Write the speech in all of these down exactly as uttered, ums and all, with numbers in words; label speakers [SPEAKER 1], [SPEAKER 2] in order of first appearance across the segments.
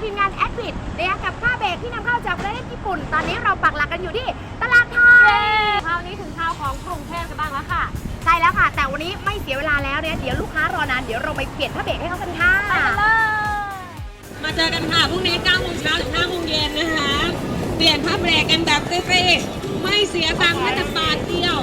[SPEAKER 1] ทีมงานแอดวิดนะคะกับผ้าเบรกที่นำเข้าจากประเทศญี่ปุ่นตอนนี้เราปักหลักกันอยู่ที่ตลาดไทย
[SPEAKER 2] คราวนี้ถึงคราวของกรุงเทพกันบ้างแล้วค่ะ
[SPEAKER 1] ใช่แล้วค่ะแต่วันนี้ไม่เสียเวลาแล้วเนี่ยเดี๋ยวลูกค้ารอนานเดี๋ยวเราไปเปลี่ยนผ้าเบรกให้เขากันค่ะ
[SPEAKER 2] ไปกันเลย
[SPEAKER 3] มาเจอกันค่ะพรุ่งนี้เก้าโมงเช้าถึงห้าโมงเย็นนะคะเปลี่ยนผ้าเบรกกันแบบฟรีๆไม่เสียตังค์แม้แต่บาทเดียว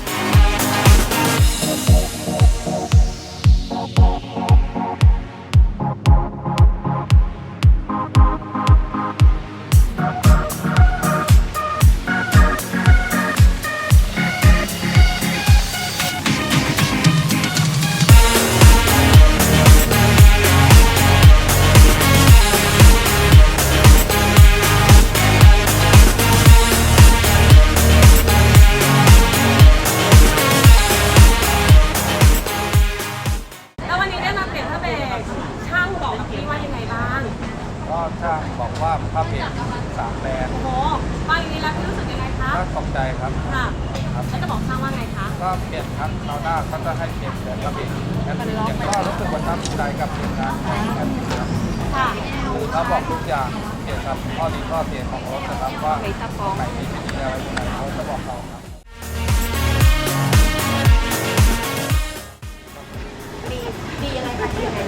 [SPEAKER 4] ก็ช่างบอกว่าผ้าเบรกสามแบรนด์
[SPEAKER 2] โอ้โหฟังอย่างนี้แล้วพี่รู้สึกยังไงคะ
[SPEAKER 4] ก็ตกใจครับ
[SPEAKER 2] ค่ะ
[SPEAKER 4] ครับ
[SPEAKER 2] แล้วจะบอกช่างว่าไงคะ
[SPEAKER 4] ก็เปลี่ยนครับคราวหน้าเขาจะให้เปลี่ยนเปลี่ยนผ้าเบรกงั้นยังก็รู้สึกประทับใจกับทีมงานของแอดมินครับ
[SPEAKER 2] ค่ะ
[SPEAKER 4] เขาบอกทุกอย่างเกี่ยวกับข้อดีข้อเสียของรถนะครับว่าตรงไหนดีอะไรตรงไหนเขาจะบอกเราครับ
[SPEAKER 1] ดีดียังไงคะดียังไง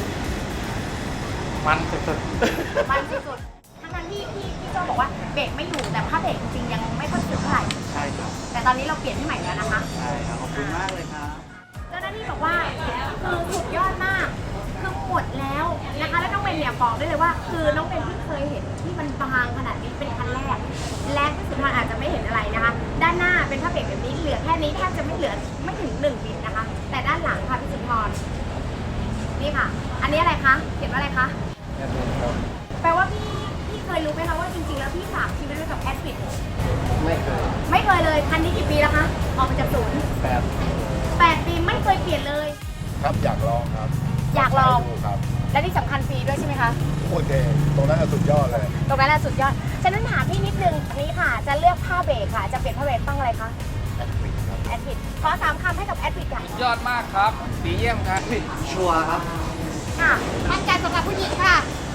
[SPEAKER 4] มันสุดๆ
[SPEAKER 1] มันสุดๆทั้งนั้นที่พี่พี่โจบอกว่าเบรกไม่อยู่แต่ผ้าเบรกจริงๆยังไม่ค่อยถึงเท่าไหร่
[SPEAKER 4] ใช่ครับ
[SPEAKER 1] แต่ตอนนี้เราเปลี่ยนให้ใหม่แล้วนะคะ
[SPEAKER 4] ใช่ครับขอบคุณมากเลยครับ
[SPEAKER 1] เจ้าหน้าที่บอกว่าคือสุดยอดมากคือหมดแล้วนะคะแล้วน้องเบนเนี่ยบอกได้เลยว่าคือน้องเบนที่เคยเห็นที่มันบางขนาดนี้เป็นครั้งแรกและที่สุดท้ายอาจจะไม่เห็นอะไรนะคะด้านหน้าเป็นผ้าเบรกแบบนี้เหลือแค่นี้แทบจะไม่เหลือไม่ถึงหนึ่งมิลนะคะแต่ด้านหลังค่ะพี่สุนทรนี่ค่ะอันนี้อะไรคะเขียนว่าอะไรคะแปลว่าพี่พี่เคยรู้ไหมคะว่าจริงๆแล้วพี่ฝากชีวิตไว้กับแอดฟิต
[SPEAKER 4] ไม่เคย
[SPEAKER 1] ไม่เคยเลยคันนี้กี่ปีแล้วคะออกมาจากศูนย์
[SPEAKER 4] แปด
[SPEAKER 1] แปดปีไม่เคยเปลี่ยนเลย
[SPEAKER 4] ครับอยากลองครับ
[SPEAKER 1] อยากลอง
[SPEAKER 4] ครับ
[SPEAKER 1] และที่สำคัญฟรีด้วยใช่ไหมคะ
[SPEAKER 4] โอเคตรงนั้นสุดยอดเลย
[SPEAKER 1] ตรงนั้นสุดยอดฉะนั้นถามพี่นิดนึงอันนี้ค่ะจะเลือกผ้าเบรกค่ะจะเปลี่ยนผ้าเบรกต้องอะไรคะ
[SPEAKER 4] แอดฟิตครับ
[SPEAKER 1] แอดฟิตขอสามคำให้กับแอดฟิตค่ะ
[SPEAKER 4] ยอดมากครับดีเยี่ยมครับชัวร์ครับ
[SPEAKER 1] ค่ะมั่นใจสำหรับผู้หญิงค่ะ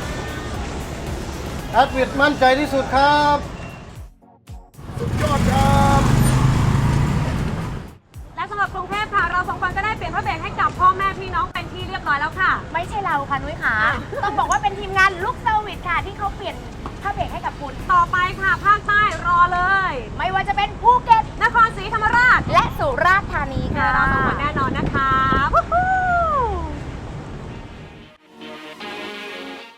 [SPEAKER 4] แอดฟิตมั่นใจที่สุดครับสุดยอดครับ
[SPEAKER 2] และสำหรับกรุงเทพค่ะเราสองคนก็ได้เปลี่ยนผ้าเบรกให้กับพ่อแม่พี่น้องเป็นที่เรียบร้อยแล้วค่ะ
[SPEAKER 1] ไม่ใช่เราค่ะนุ้ยค่ะต้องบอกว่า